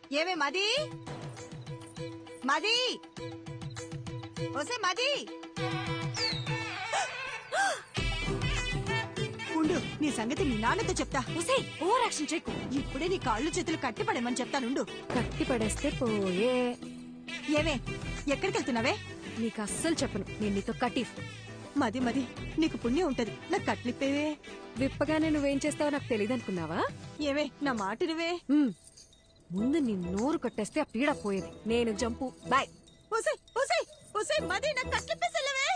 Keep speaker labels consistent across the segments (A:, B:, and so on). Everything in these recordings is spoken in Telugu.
A: ఏమే మది మది ఓసే మది ఉండు, నీ సంగతి మీ నాన్నతో చెప్తా.
B: ఒసే ఓవర్ యాక్షన్ చేయకు.
A: ఇప్పుడే నీ కాళ్ళు చేతులు కట్టిపడేమని చెప్తానుండు.
B: కట్టి పడేస్తే పోయే.
A: ఏమే ఎక్కడికి వెళ్తున్నావే?
B: నీకు అస్సలు చెప్పను. నేను నీతో కటీఫ్.
A: మది మది నీకు పుణ్యం ఉంటది, నాకు కట్లిప్పేవే.
B: విప్పగానే నువ్వేం చేస్తావో నాకు తెలియదు అనుకున్నావా?
A: ఏవే నా మాట నువ్వే.
B: ముందు నీ నోరు కట్టేస్తే ఆ పీడ పోయేది. నేను జంపు. బాయ్.
A: ఓసే ఓసే ఓసే మది నాకు కట్లిప్పేసలేవే.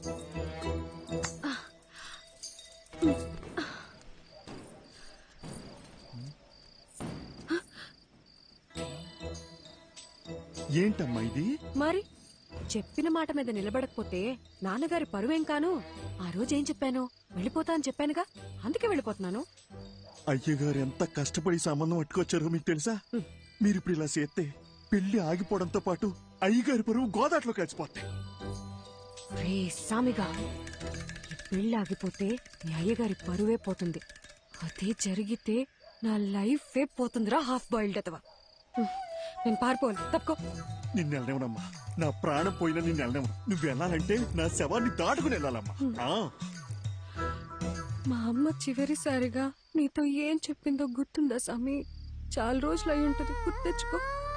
C: ఏంటమ్మా ఇది?
B: మరి చెప్పిన మాట మీద నిలబడకపోతే నాన్నగారి పరువేం కాను. ఆ రోజు ఏం చెప్పాను? వెళ్ళిపోతా అని చెప్పానుగా, అందుకే వెళ్ళిపోతున్నాను.
C: అయ్యగారు ఎంత కష్టపడి సంబంధం పట్టుకొచ్చారో మీకు తెలుసా? మీరిప్పుడు ఇలా చేస్తే పెళ్లి ఆగిపోవడంతో పాటు అయ్యగారి పరువు గోదాట్లో కలిసిపోతాయి.
B: రే సామిగా, ఈ పెళ్లి ఆగిపోతే నీ అయ్యగారి పరువే పోతుంది. అదే జరిగితే నా లైఫ్ పోతుందిరా. హాఫ్ బాయిల్డ్ అతవా. నేను పారిపోను. తప్పుకో.
C: నిన్ను వెళ్ళనివ్వనమ్మా. నా ప్రాణం పోయినా నిన్ను వెళ్ళనివ్వను. నువ్వు వెళ్ళాలంటే నా శవాన్ని దాటుకుని వెళ్ళాలమ్మా.
B: మా అమ్మ చివరిసారిగా నీతో ఏం చెప్పిందో గుర్తుందా సామి? చాలా రోజులు అయి ఉంటది, గుర్తు తెచ్చుకో.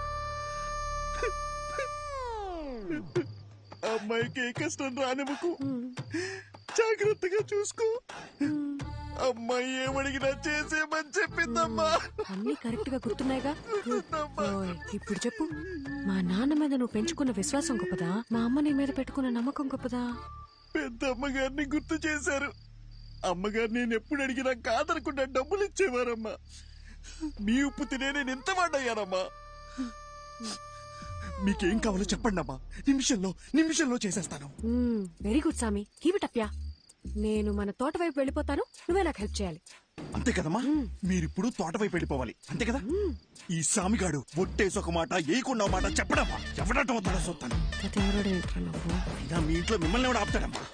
C: అమ్మాయికి ఏ కష్టం రానివ్వకు, జాగ్రత్తగా చూసుకో. అమ్మాయి ఏమడిగినా చేసేమని చెప్పిందమ్మా.
B: అన్ని కరెక్ట్ గా గుర్తున్నాయిగా. ఇప్పుడు చెప్పు, మా నాన్న మీద నువ్వు పెంచుకున్న విశ్వాసం గొప్పదా, మా అమ్మ నీ మీద పెట్టుకున్న నమ్మకం గొప్పదా?
C: పెద్ద అమ్మగారిని గుర్తు చేశారు. అమ్మగారు నేను ఎప్పుడు అడిగినా కాదనకుండా డబ్బులు ఇచ్చేవారమ్మా. మీ ఉప్పు తినే నేను ఎంత వాడయ్యానమ్మా. మీకేం కావాలో చెప్పండి అమ్మా, నిమిషంలో చేసేస్తాను.
B: Very good Sami, keep it up యా. నేను మన తోట వైపు వెళ్ళిపోతాను, నువ్వే నాకు హెల్ప్ చేయాలి.
C: అంతే కదమ్మా? మీరిప్పుడు తోట వైపు వెళ్ళిపోవాలి, అంతే కదా? ఈ సామిగాడు ఒట్టేసి ఒక మాట ఏయకుండా మాట చెప్పడమ్మా. ఎవడటం అవుతాడో చూస్తాను. అయినా మీ ఇంట్లో మిమ్మల్ని ఎవడు ఆపుతాడమ్మా?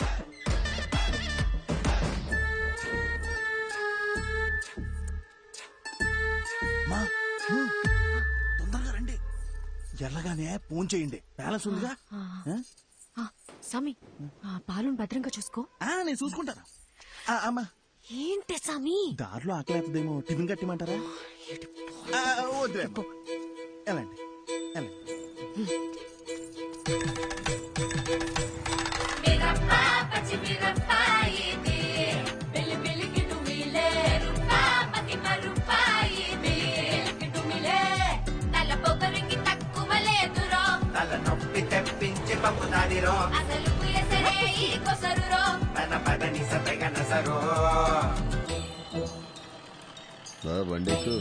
C: తొందరగా రండి. ఎల్లగానే ఫోన్ చేయండి, బ్యాలెన్స్ ఉందిగా.
B: సామి, పాలను భద్రంగా చూసుకో.
C: నేను చూసుకుంటాను. అమ్మా
B: ఏంటి సామి?
C: దారిలో ఆకలేతదేమో, టిఫిన్ కట్టిమంటారా? వద్దులే, వెళ్ళండి వెళ్ళండి.
D: బండికు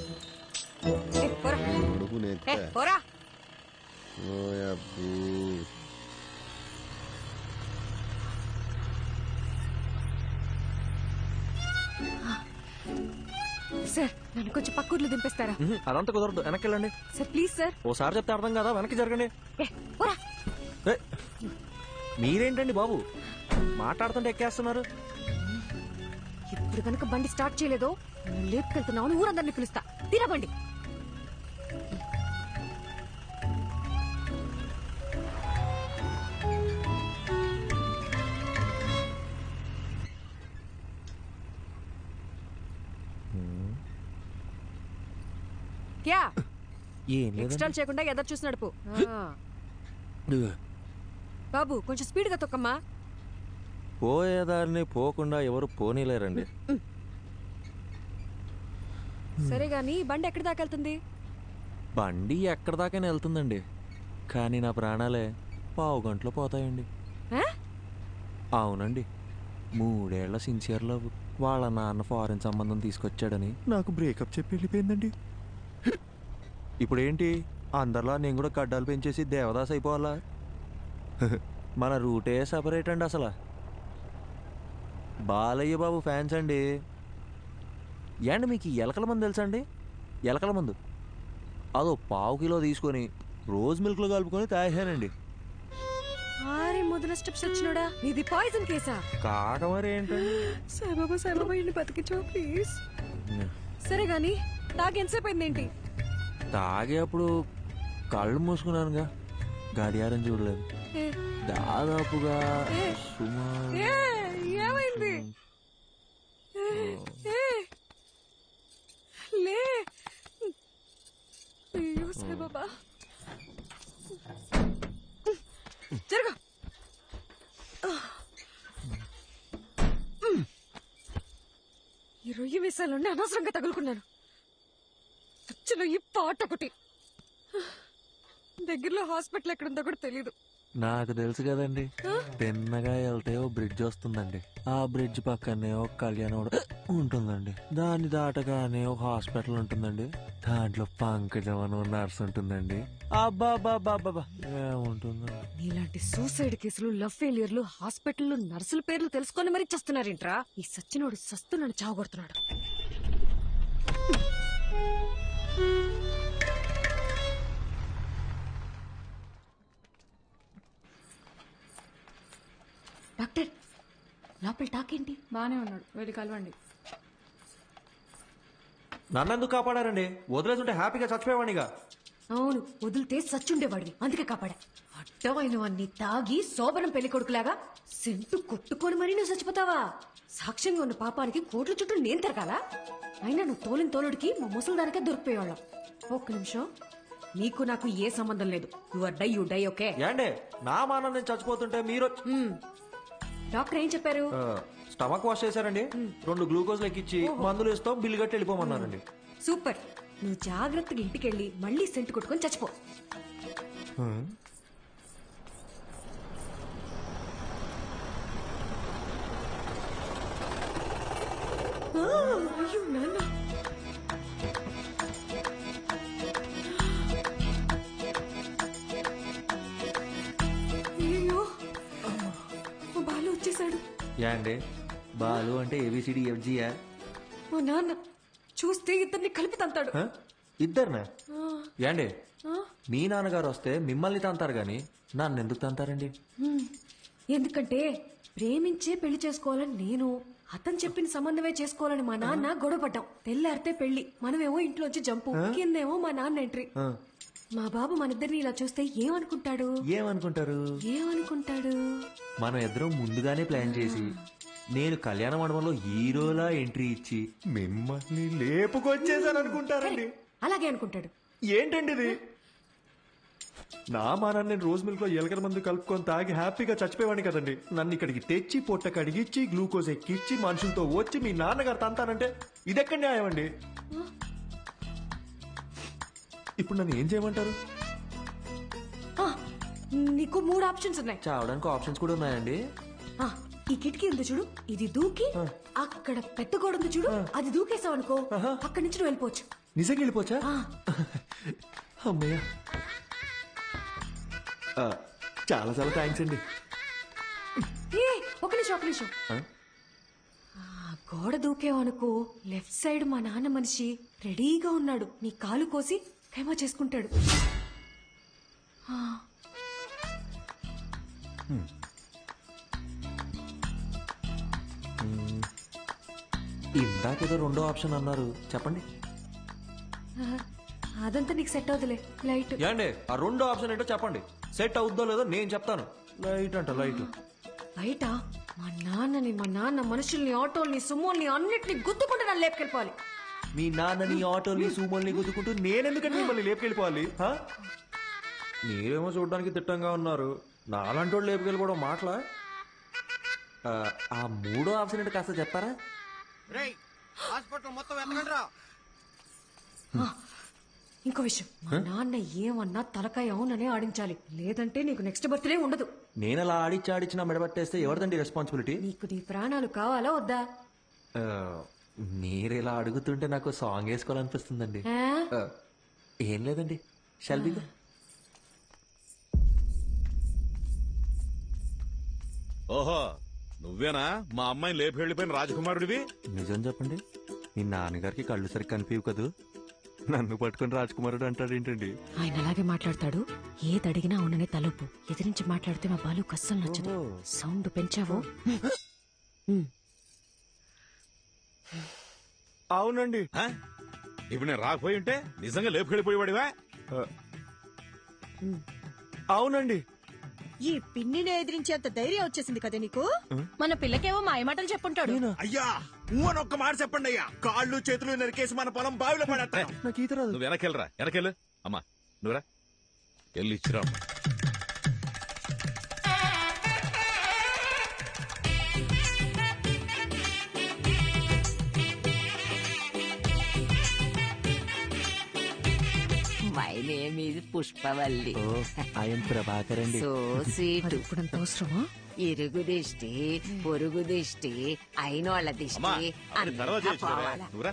B: సార్, నన్ను కొంచెం పక్కూర్లు దింపేస్తారా?
E: అదంతా కుదరదు, వెనక్కి వెళ్ళండి.
B: Sir please sir.
E: ఓసారి చెప్తే అర్థం కదా, వెనక్కి జరగండి. మీరేంటండి బాబు మాట్లాడుతుంటే ఎక్కేస్తున్నారు?
B: ఇప్పుడు కనుక బండి స్టార్ట్ చేయలేదో లేపుకెళ్తున్నావు, ఊరందరినీ పిలుస్తా. తినబండి. క్యా ఎక్స్ట్రా చేయకుండా ఎదరు చూసి నడుపు. బాబు కొంచెం స్పీడ్ గా తొక్కమ్మా.
E: పోయేదారిని పోకుండా ఎవరు పోనీలేరండి.
B: సరే గాని బండి ఎక్కడి దాకా వెళ్తుంది?
E: బండి ఎక్కడి దాకానే వెళ్తుందండి, కానీ నా ప్రాణాలే పావు గంటలో పోతాయండి. అవునండి, 3 ఏళ్ల సిన్సియర్ లవ్. వాళ్ళ నాన్న ఫారెన్ సంబంధం తీసుకొచ్చాడని నాకు బ్రేకప్ చెప్పి వెళ్ళిపోయిందండి. ఇప్పుడేంటి, అందరిలా నేను కూడా గడ్డాలు పెంచేసి దేవదాస్ అయిపోవాలా? మన రూటే సపరేట్ అండి. అసలు బాలయ్య బాబు ఫ్యాన్స్ అండి. ఏండి మీకు ఎలకల మందు తెలుసా అండి? ఎలకల మందు అదో పావు కిలో తీసుకొని రోజ్ మిల్క్లో కలుపుకొని తాగానండి.
B: మొదల స్టెప్స్ వచ్చినోడా, ఇది పాయిజన్ కేసా?
E: కాక మరి ఏంటండి?
B: సాయిబాబా ఇన్ని బతికించో ప్లీజ్. సరే గాని తాగి ఎంతసేపు అయిందేంటి?
E: తాగేప్పుడు కళ్ళు మూసుకున్నానుగా గడియారం చూడలేదు. దాదాపుగా సుమారు
B: ఏమైంది? లే అయ్యో సాయిబాబా, జరగా. ఈ రొయ్యి వేసాలండి అనవసరంగా తగులుకున్నాను. చచ్చిన ఈ పాట ఒకటి. దగ్గరలో హాస్పిటల్ ఎక్కడుందో కూడా తెలీదు.
E: నాకు తెలుసు కదండి, తిన్నగా వెళ్తే ఓ బ్రిడ్జ్ వస్తుందండి. ఆ బ్రిడ్జ్ పక్కనే ఒక కళ్యాణం ఉంటుందండి. దాన్ని దాటగానే ఒక హాస్పిటల్ ఉంటుందండి. దాంట్లో పంకజం అని నర్స్ ఉంటుందండి. అబ్బాబాబాబా ఏముంటుందండి.
B: నీలాంటి సూసైడ్ కేసులు, లవ్ ఫెయిలియర్లు, హాస్పిటల్ నర్సుల పేర్లు తెలుసుకొని మరీ చస్తున్నారేంట్రా? ఈ సచ్చినోడు సస్తున్నాడు, చావగొడుతున్నాడు. డాక్టర్, లోపల టాకేంటి?
D: బానే ఉన్నాడు, వెళ్ళి కలవండి.
E: నన్నెందుకు కాపాడారండి? వదిలేస్తుంటే హ్యాపీగా చచ్చిపోయేవాడిగా.
B: అవును, వదిలితే సచ్చుండేవాడివి, అందుకే కాపాడా. అడ్డమైనవన్నీ తాగి శోభనం పెళ్లి కొడుకులాగా సెంటు కొట్టుకొని మరీ నువ్వు చచ్చిపోతావా? సాక్ష్యంగా ఉన్న పాపానికి కోట్ల చుట్టూ నేను తిరగాల? అయినా నువ్వు తోలిన తోలుడికి మా ముసలిదానికే దొరికిపోయేవాళ్ళం. ఒక్క నిమిషం, నీకు నాకు ఏ సంబంధం లేదు. You die okay?
E: ఏండే నా మానం నేను చచ్చిపోతుంటే మీరు
B: డాక్టర్ ఏం చెప్పారు?
E: స్టమక్ వాష్ చేశారండి. 2 గ్లూకోజ్ లెక్కిచ్చి మందులు ఇస్తాం, బిల్లు కట్టి వెళ్ళిపోమన్నారండి.
B: సూపర్. నువ్వు జాగ్రత్తగా ఇంటికెళ్ళి మళ్ళీ సెంటు కొట్టుకొని చచ్చిపో. అయ్యో నాన్న, అయ్యో బాలు వచ్చేసాడు.
E: ఏండి బాలు అంటే ఏబిసిడి ఎఫ్జియా?
B: మా నాన్న చూస్తే ఇద్దరిని కలిపి తంతాడు.
E: ఇద్దరినా? ఏండి మీ నాన్నగారు వస్తే మిమ్మల్ని తంతారు గాని నన్ను ఎందుకు తంతారండి?
B: ఎందుకంటే ప్రేమించే పెళ్లి చేసుకోవాలని నేను, అతను చెప్పిన సంబంధమే చేసుకోవాలని మా నాన్న గొడవపడ్డాం. తెల్లారితే పెళ్లి, మనమేమో ఇంట్లోంచి జంపు, కిందేమో మా నాన్న ఎంట్రీ. మా బాబు మనిద్దరిని ఇలా చూస్తే ఏమనుకుంటాడు? ఏమనుకుంటాడు?
E: మనం ఇద్దరం ముందుగానే ప్లాన్ చేసి నేను కళ్యాణ మండపంలో హీరోలా ఎంట్రీ ఇచ్చి మిమ్మల్ని లేపుకొచ్చేసాను అనుకుంటారండి.
B: అలాగే అనుకుంటాడు.
E: ఏంటండి ఇది? నా మానాన్ని నేను రోజు మిల్క్ లో ఎలకల మందు కలుపుకొని తాగి హ్యాపీగా చచ్చిపోయేవాడిని కదండి. నన్ను ఇక్కడికి తెచ్చి పొట్ట కడిగిచ్చి గ్లూకోజ్ ఎక్కిచ్చి మనుషులతో వచ్చి మీ నాన్నగారు తంతానంటే ఇదెక్కడ న్యాయం అండి? ఇప్పుడు నన్ను ఏం చేయమంటారు?
B: నీకు 3 ఆప్షన్స్ ఉన్నాయి.
E: చావడానికి ఆప్షన్స్ కూడా ఉన్నాయండి.
B: ఈ కిటికీ ఉంది చూడు, ఇది దూకి అక్కడ పెద్ద గోడ ఉంది చూడు, అది దూకేసావు అనుకో, అక్కడి నుంచి నువ్వు వెళ్ళిపోవచ్చు.
E: నిజంగా వెళ్ళిపోవచ్చా? అమ్మయ్య, చాలా చాలా థ్యాంక్స్ అండి.
B: ఒక నిమిషం. గోడ దూకేవు అనుకో, లెఫ్ట్ సైడ్ మా నాన్న మనిషి రెడీగా ఉన్నాడు. నీ కాలు కోసి ఖైమా చేసుకుంటాడు.
E: ఇందాకేదో 2వ ఆప్షన్ అన్నారు, చెప్పండి.
B: అదంతా నీకు సెట్ అవుతులే. లైట్
E: ఏండి ఆ 2వ ఆప్షన్ ఏంటో చెప్పండి. సెట్ అవుద్దో లేదో నేను చెప్తాను. లైట్ అంట, లైట్.
B: బయట మా నాన్న మనుషుల్ని, ఆటోల్ని, సుమోల్ని అన్నిటిని గుద్దుకుంటే నన్ను లేపుకెళ్ళిపోవాలి.
E: మీ నాన్నని, ఆటోల్ని, సూమోల్ని గుద్దుకుంటూ నేనెందుకంటే మిమ్మల్ని లేపుకెళ్ళిపోవాలి? మీరేమో చూడడానికి తిట్టంగా ఉన్నారు, నాలాంటి వాళ్ళు లేపుకెళ్ళిపోవడం మాటలా? ఆ 3వ ఆప్షన్ ఏంటో కాస్త చెప్తారా?
B: ఇంకో విషయం, మా నాన్న ఏమన్నా తలకాయ అవుననే ఆడించాలి, లేదంటే నీకు నెక్స్ట్ బర్త్డే ఉండదు.
E: నేను అలా ఆడిచ్చి నా మెడబట్టేస్తే ఎవరిదండి రెస్పాన్సిబిలిటీ?
B: నీకు నీ ప్రాణాలు కావాలా వద్దా?
E: మీరు ఇలా అడుగుతుంటే నాకు సాంగ్ వేసుకోవాలనిపిస్తుందండి. ఏం లేదండి, షల్బిగా.
F: ఓహో, నువ్వేనా మా అమ్మాయిని లేపి వెళ్ళిపోయిన రాజకుమారుడివి?
E: నిజం చెప్పండి, మీ నాన్నగారికి కళ్ళు సరిగ్గా కనిపించవు కదూ, నన్ను పట్టుకుని రాజకుమారుడు అంటాడేంటండి?
B: ఆయన అలాగే మాట్లాడతాడు. ఏది అడిగినా అవుననే తలుపు. ఎదిరించి మాట్లాడితే మా బాలు కస్సలు నచ్చదు. సౌండ్ పెంచావో?
E: అవునండి,
F: ఇప్పుడు నేను రాకపోయి ఉంటే నిజంగా లేపుకెళ్ళిపోయేవాడివా?
E: అవునండి.
A: ఈ పిన్నిని ఎదిరించేంత ధైర్యం వచ్చేసింది కదా నీకు.
D: మన పిల్లకేవో మాయమాటలు చెప్పుంటాడు.
C: అయ్యా అని ఒక్క మాట చెప్పండి అయ్యా. కాళ్ళు చేతులు నరికేసి మన పొలం బావిలో పడేస్తాను.
E: నాకు ఈత రాదు.
F: నువ్వు వెనకెళ్ళరా, వెనకెళ్ళు. అమ్మా నువ్వురా, వెళ్ళి ఇచ్చిరా అమ్మా.
G: My name is Pushpavalli.
E: Oh, I'm Prabhakar అండి.
G: So sweet.
B: ఇప్పుడంత అవసరమా?
G: ఇరుగు దిష్టి, పొరుగు దిష్టి, అయినోళ్ళ
F: అమ్మా
G: దిష్టి
F: అవన్నీ తర్వాత
G: అంతా
F: చేయొచ్చురా.
G: పోవాలా.
F: నువ్వురా.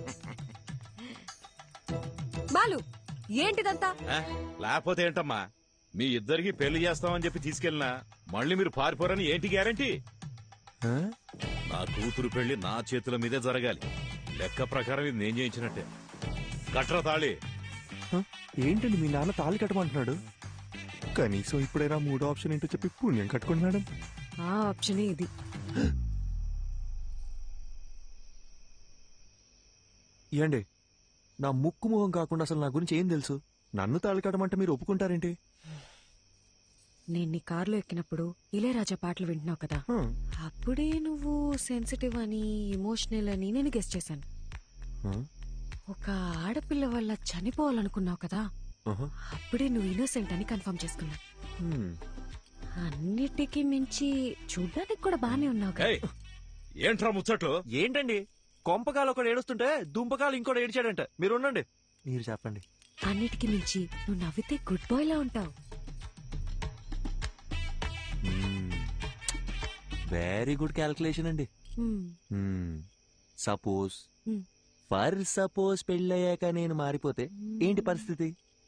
B: బాలు ఏంటిదంతా?
F: ఆ? లేకపోతే ఏంటమ్మా, మీ ఇద్దరికి పెళ్లి చేస్తామని చెప్పి తీసుకెళ్ళినా మళ్ళీ మీరు పారిపోరని ఏంటి గ్యారంటీ?
E: ఆ?
F: నా కూతురు పెళ్లి నా చేతుల మీదే జరగాలి. లెక్క ప్రకారం ఇది నేను చేయించినట్టే. కట్రా తాళి.
E: ఆ? ఏంటండి మీ నాన్న తాళి కట్టమంటున్నాడు? కనీసం ఇప్పుడైనా మూడో ఆప్షన్ ఏంటో చెప్పి పుణ్యం కట్టుకోండి మేడం.
B: ఆ ఆప్షనే ఇది.
E: ఏండి నా ముక్కు మొహం కాకుండా అసలు నా గురించి ఏం తెలుసు? నన్ను తాళి కట్టమంటే మీరు ఒప్పుకుంటారేంటి?
B: నేను నీ కారులో ఎక్కినప్పుడు ఇళయరాజా పాటలు వింటున్నావు కదా,
E: ఆ.
B: అప్పుడే నువ్వు సెన్సిటివ్ అని, ఎమోషనల్ అని నేను గెస్ చేశాను.
E: ఆ?
B: ఒక ఆడపిల్ల వల్ల చనిపోవాలనుకున్నావు కదా,
E: ఆహా.
B: అప్పుడే నువ్వు ఇన్నోసెంట్ అని కన్ఫర్మ్ చేసుకున్నా.
E: హ్మ్.
B: అన్నిటికీ మించి చూడ్డానికి కూడా బానే ఉన్నావు కదా.
F: ఏయ్, ఏంట్రా ముచ్చట్లు?
E: ఏంటండి కొంపకాలు ఒకడు ఏడుస్తుంటే దుంపకాలు ఇంకోటి ఏడిచాడంట. మీరు ఉండండి, మీరు చెప్పండి.
B: అన్నిటికీ మించి నువ్వు నవ్వితే గుడ్ బాయ్ లా ఉంటావు.
E: వెరీ గుడ్ క్యాల్కులేషన్ అండి. Suppose
B: Hmm.
E: ఫర్ సపోజ్ పెళ్ళయ్యాక నేను మారిపోతే ఏంటి పరిస్థితి?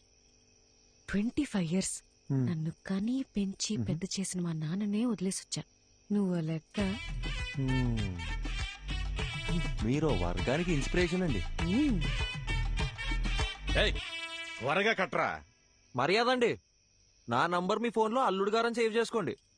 B: 25 years
E: Hmm.
B: నన్ను కని పెంచి పెద్ద చేసిన మా నాన్ననే వదిలేసొచ్చా. నువ్వు ఆ లెక్క.
E: Hmm. మీరు వర్గానికి ఇన్స్పిరేషన్ అండి.
B: మ్మ్.
F: ఏయ్, త్వరగా కట్రా.
E: మర్యాద అండి, నా నంబర్ మీ ఫోన్ లో అల్లుడు గారని సేవ్ చేసుకోండి.